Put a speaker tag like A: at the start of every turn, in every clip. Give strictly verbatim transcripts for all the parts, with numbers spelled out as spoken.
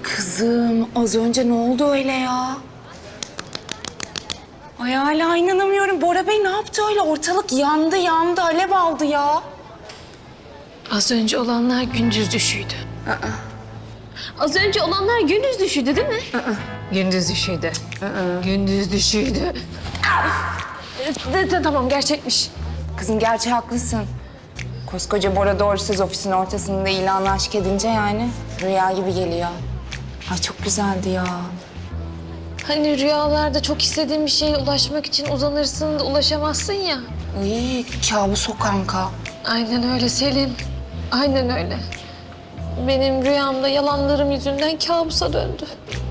A: Kızım az önce ne oldu öyle ya? Ay hala inanamıyorum. Bora Bey ne yaptı öyle? Ortalık yandı yandı, alev aldı ya.
B: Az önce olanlar gündüz düşüydü. Aa. Az önce olanlar gündüz düşüydü değil mi? Aa. Gündüz düşüydü. Aa. Gündüz düşüydü. De, de, tamam gerçekmiş.
A: Kızım gerçi haklısın. Koskoca Bora doğrusuz ofisin ortasında ilanla aşk edince yani rüya gibi geliyor. Ay çok güzeldi ya.
B: Hani rüyalarda çok istediğin bir şeye ulaşmak için uzanırsın da ulaşamazsın ya.
A: Ay kabus o kanka.
B: Aynen öyle Selin. Aynen öyle. Benim rüyamda yalanlarım yüzünden kabusa döndü.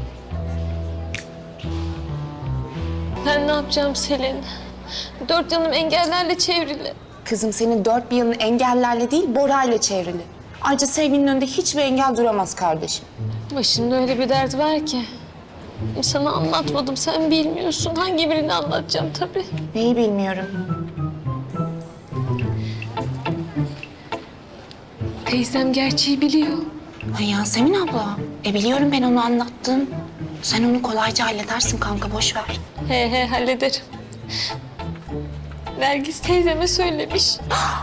B: Ben ne yapacağım Selin? Dört yanım engellerle çevrili.
A: Kızım senin dört bir yanın engellerle değil Bora ile çevrili. Ayrıca sevginin önünde hiçbir engel duramaz kardeşim.
B: Başımda öyle bir dert var ki. Sana anlatmadım, sen bilmiyorsun. Hangi birini anlatacağım tabii.
A: Neyi bilmiyorum.
B: Teyzem gerçeği biliyor.
A: Ay Yasemin abla. E biliyorum ben onu anlattım. Sen onu kolayca halledersin kanka boş ver.
B: He he hallederim. Nergis teyzeme söylemiş.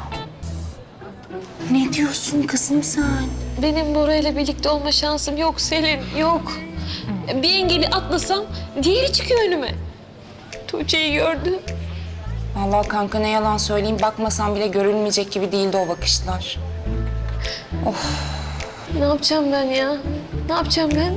A: Ne diyorsun kızım sen?
B: Benim Bora ile birlikte olma şansım yok Selin, yok. Bir engeli atlasam diğeri çıkıyor önüme. Tuğçe'yi gördü.
A: Vallahi kanka ne yalan söyleyeyim bakmasam bile görülmeyecek gibi değildi o bakışlar. Of.
B: Ne yapacağım ben ya? Ne yapacağım ben?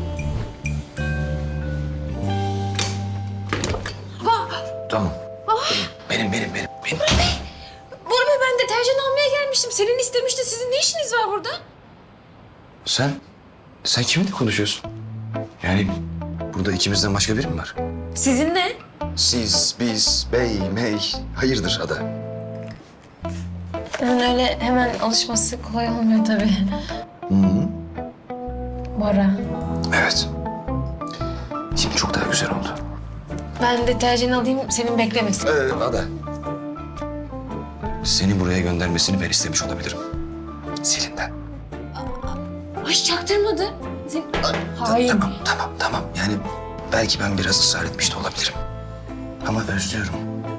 C: Tamam. Benim, benim, benim, benim.
B: Bora Bey ben deterjan almaya gelmiştim. Selin istemişti. Sizin ne işiniz var burada?
C: Sen, sen kiminle konuşuyorsun? Yani burada ikimizden başka biri mi var?
B: Sizin ne?
C: Siz, biz, bey, mey, hayırdır ada?
B: Yani öyle hemen alışması kolay olmuyor tabii.
C: Hı hı.
B: Bora.
C: Evet. Şimdi çok daha güzel oldu.
B: Ben deterjan alayım, Selin beklemesin.
C: Ee, ada. Seni buraya göndermesini ben istemiş olabilirim. Selin'den.
B: Ay çaktırmadı. Sen...
A: Hayır.
C: Tamam, tamam, tamam. Yani belki ben biraz ısrar etmiş de olabilirim. Ama özlüyorum.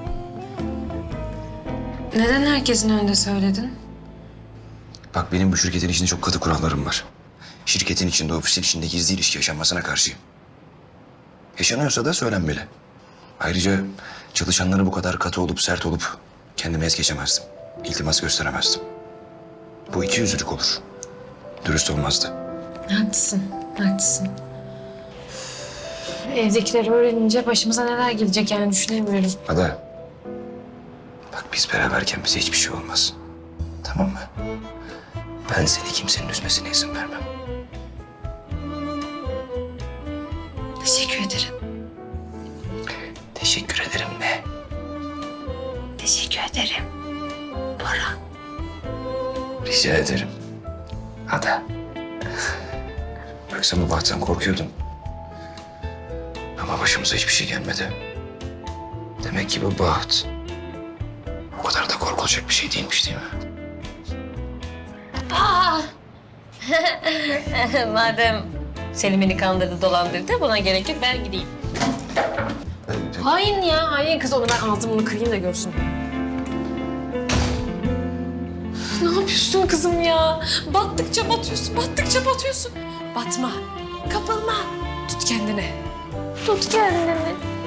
B: Neden herkesin önünde söyledin?
C: Bak benim bu şirketin içinde çok katı kurallarım var. Şirketin içinde, ofisin içinde gizli ilişki yaşanmasına karşıyım. Yaşanıyorsa da söylenmeli. Ayrıca çalışanlara bu kadar katı olup sert olup kendime es geçemezdim. İltimas gösteremezdim. Bu iki yüzlülük olur. Dürüst olmazdı.
B: Haklısın, haklısın. Evdekiler öğrenince başımıza neler gelecek yani düşünemiyorum.
C: Ada. Bak biz beraberken bize hiçbir şey olmaz. Tamam mı? Ben seni kimsenin üzmesine izin vermem.
B: Teşekkür ederim.
C: Teşekkür ederim ne?
B: Teşekkür ederim. Bora.
C: Rica ederim. Ada. Bak sen bu bahttan korkuyordun. Ama başımıza hiçbir şey gelmedi. Demek ki bu baht o kadar da korkulacak bir şey değilmiş değil mi?
B: Madem Selim beni kandırdı, dolandırdı buna gerek yok ben gideyim. Hain ya, hain kız onu ben ağzımını kırayım da görsün. Ne yapıyorsun kızım ya? Battıkça batıyorsun, battıkça batıyorsun. Batma, kapılma. Tut kendini. Tut kendini.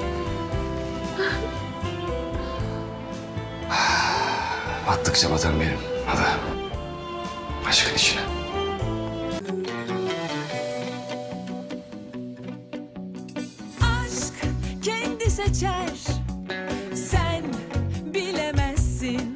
C: Battıkça batarım benim. Ada. Aşkın içine.
D: Aşk kendi seçer